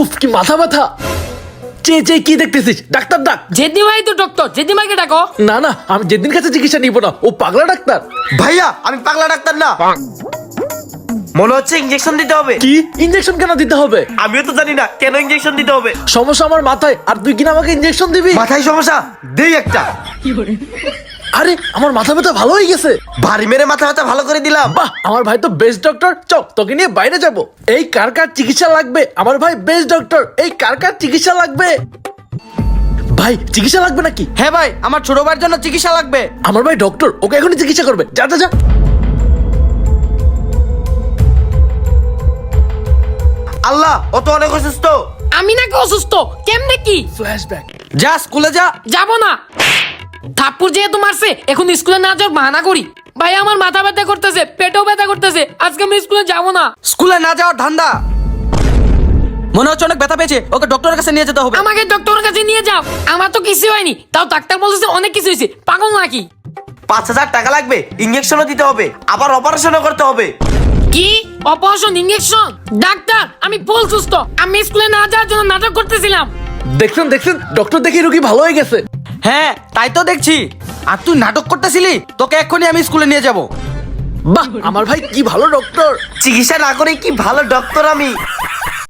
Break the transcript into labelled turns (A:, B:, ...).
A: উফ কি মাথা ব্যথা। চেয়ে কি দেখতেছিস? ডাক্তার ডাক।
B: জেদি ভাই তো ডক্টর, জেদি ভাইকে ডাকো।
A: না না, আমি যেদিন কাছে চিকিৎসা নিব না, ও পাগলা ডাক্তার।
C: ভাইয়া আমি পাগলা ডাক্তার না, মনে হচ্ছে ইনজেকশন দিতে হবে।
A: কি ইনজেকশন কেন দিতে হবে?
C: আমিও তো জানি না কেন ইনজেকশন দিতে হবে।
A: সমস্যা আমার মাথায়, আর তুই কিনা আমাকে ইনজেকশন দিবি?
C: মাথায় সমস্যা, দেই একটা।
A: আরে আমার মাথা ব্যথা ভালো হয়ে গেছে।
C: ভারী মেরে মাথা ব্যথা ভালো করে দিলাম।
A: বাহ, আমার ভাই তো বেস্ট ডক্টর। চল তোকে নিয়ে বাইরে যাব। এই কার কার চিকিৎসা লাগবে? আমার ভাই বেস্ট ডক্টর। এই কার কার চিকিৎসা লাগবে? ভাই চিকিৎসা লাগবে নাকি?
D: হ্যাঁ ভাই, আমার ছোট ভাইয়ের জন্য চিকিৎসা লাগবে।
A: আমার ভাই ডক্টর, ওকে এখনই চিকিৎসা করবে। যা যা যা।
C: আল্লাহ, ও তো অনেক অসুস্থ।
B: আমি নাকি অসুস্থ? কেমনে কি?
A: ফ্ল্যাশব্যাক।
D: যা স্কুলে যা।
B: যাবো না। থাপ্পড় যেহেতু মারছে, এখন স্কুলে না যাওয়ার বাহানা করি। ভাই আমার মাথা ব্যথা করতেছে, পেটেও ব্যথা করতেছে, আজকে আমি স্কুলে যাবো না।
D: স্কুলে না যাওয়ার ধান্দা। মনে হচ্ছে অনেক ব্যথা পেয়েছে, ওকে ডক্টরের কাছে নিয়ে যেতে হবে।
B: আমাকে ডক্টরের কাছে নিয়ে যাও। আমার তো কিছু হয়নি, তাও ডাক্তার বলতেছে অনেক কিছু হয়েছে। পাগল নাকি?
C: 5,000 টাকা লাগবে, ইনজেকশনও দিতে হবে, আবার অপারেশনও করতে হবে।
B: কি অপারেশন, ইনজেকশন? ডাক্তার আমি ফুল সুস্থ, আমি স্কুলে না যাওয়ার জন্য নাটক করতেছিলাম।
A: দেখছেন দেখছেন, ডক্টর দেখি রোগী ভালো হয়ে গেছে।
D: হ্যাঁ তাই তো দেখছি। আর তুই নাটক করতেছিলি, তোকে এক্ষুনি আমি স্কুলে নিয়ে যাব।
A: বাহ, আমার ভাই কি ভালো ডক্টর।
C: চিকিৎসা না করে কি ভালো ডক্টর আমি।